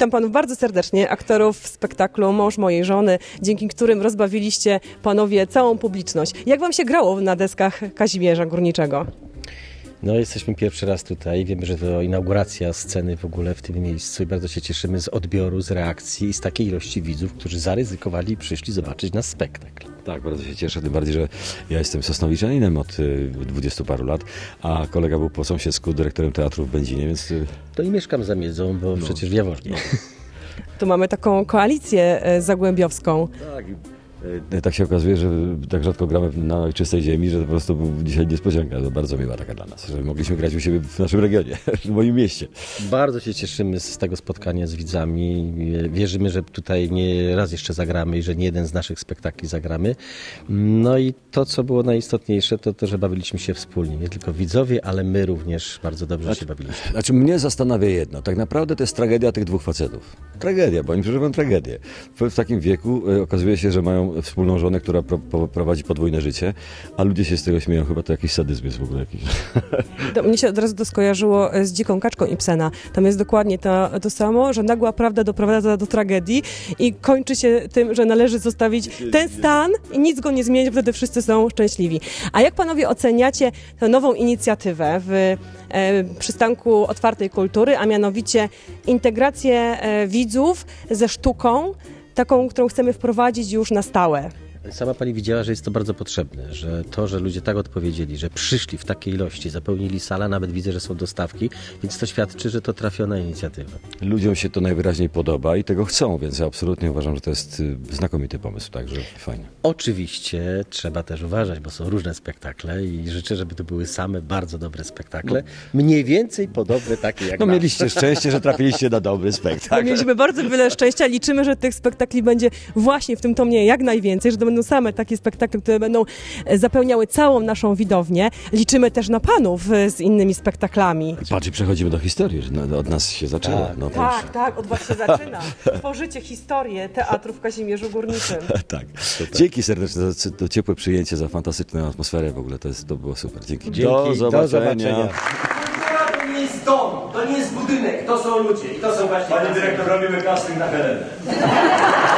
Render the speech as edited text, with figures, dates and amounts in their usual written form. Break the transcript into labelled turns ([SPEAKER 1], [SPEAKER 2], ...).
[SPEAKER 1] Witam panów bardzo serdecznie, aktorów w spektaklu Mąż mojej żony, dzięki którym rozbawiliście panowie całą publiczność. Jak wam się grało na deskach Kazimierza Górniczego?
[SPEAKER 2] No, jesteśmy pierwszy raz tutaj. Wiemy, że to inauguracja sceny w ogóle w tym miejscu i bardzo się cieszymy z odbioru, z reakcji i z takiej ilości widzów, którzy zaryzykowali i przyszli zobaczyć nasz spektakl.
[SPEAKER 3] Tak, bardzo się cieszę, tym bardziej, że ja jestem sosnowiczaninem od 20 paru lat, a kolega był po sąsiedzku dyrektorem teatru w Będzinie, więc...
[SPEAKER 2] To i mieszkam za Miedzą, bo przecież w Jaworznie.
[SPEAKER 1] Tu mamy taką koalicję zagłębiowską.
[SPEAKER 3] Tak się okazuje, że tak rzadko gramy na ojczystej ziemi, że to po prostu był dzisiaj niespodzianka. To bardzo miła taka dla nas, że mogliśmy grać u siebie w naszym regionie, w moim mieście.
[SPEAKER 2] Bardzo się cieszymy z tego spotkania z widzami. Wierzymy, że tutaj nie raz jeszcze zagramy i że nie jeden z naszych spektakli zagramy. No i to, co było najistotniejsze, to że bawiliśmy się wspólnie. Nie tylko widzowie, ale my również bardzo dobrze się bawiliśmy.
[SPEAKER 3] Znaczy mnie zastanawia jedno. Tak naprawdę to jest tragedia tych dwóch facetów. Tragedia, bo oni przeżywają tragedię. W takim wieku okazuje się, że mają wspólną żonę, która prowadzi podwójne życie, a ludzie się z tego śmieją. Chyba to jakiś sadyzm jest w ogóle jakiś.
[SPEAKER 1] Mnie się od razu to skojarzyło z Dziką kaczką Ibsena. Tam jest dokładnie to samo, że nagła prawda doprowadza do tragedii i kończy się tym, że należy zostawić ten stan i nic go nie zmienić, wtedy wszyscy są szczęśliwi. A jak panowie oceniacie tę nową inicjatywę w przystanku otwartej kultury, a mianowicie integrację widzów ze sztuką, taką, którą chcemy wprowadzić już na stałe?
[SPEAKER 2] Sama pani widziała, że jest to bardzo potrzebne, że to, że ludzie tak odpowiedzieli, że przyszli w takiej ilości, zapełnili salę, nawet widzę, że są dostawki, więc to świadczy, że to trafiona inicjatywa.
[SPEAKER 3] Ludziom się to najwyraźniej podoba i tego chcą, więc ja absolutnie uważam, że to jest znakomity pomysł, także fajnie.
[SPEAKER 2] Oczywiście trzeba też uważać, bo są różne spektakle i życzę, żeby to były same bardzo dobre spektakle, mniej więcej podobne takie jak
[SPEAKER 3] No
[SPEAKER 2] nasz.
[SPEAKER 3] mieliście szczęście, że trafiliście na dobry spektakl.
[SPEAKER 1] Mieliśmy bardzo wiele szczęścia, liczymy, że tych spektakli będzie właśnie w tym tomie jak najwięcej, że to będą same takie spektakle, które będą zapełniały całą naszą widownię. Liczymy też na panów z innymi spektaklami.
[SPEAKER 3] Patrz, i przechodzimy do historii, że od nas się zaczęło.
[SPEAKER 2] Tak.
[SPEAKER 3] No to
[SPEAKER 1] Tak, od was się zaczyna. Tworzycie historię teatru w Kazimierzu Górniczym.
[SPEAKER 3] tak. Dzięki serdeczne za to ciepłe przyjęcie, za fantastyczną atmosferę w ogóle, to było super. Dzięki.
[SPEAKER 2] Do zobaczenia.
[SPEAKER 4] To nie jest dom, to nie jest budynek, to są ludzie i to są właśnie...
[SPEAKER 5] Panie dyrektor, robimy casting na Helenę.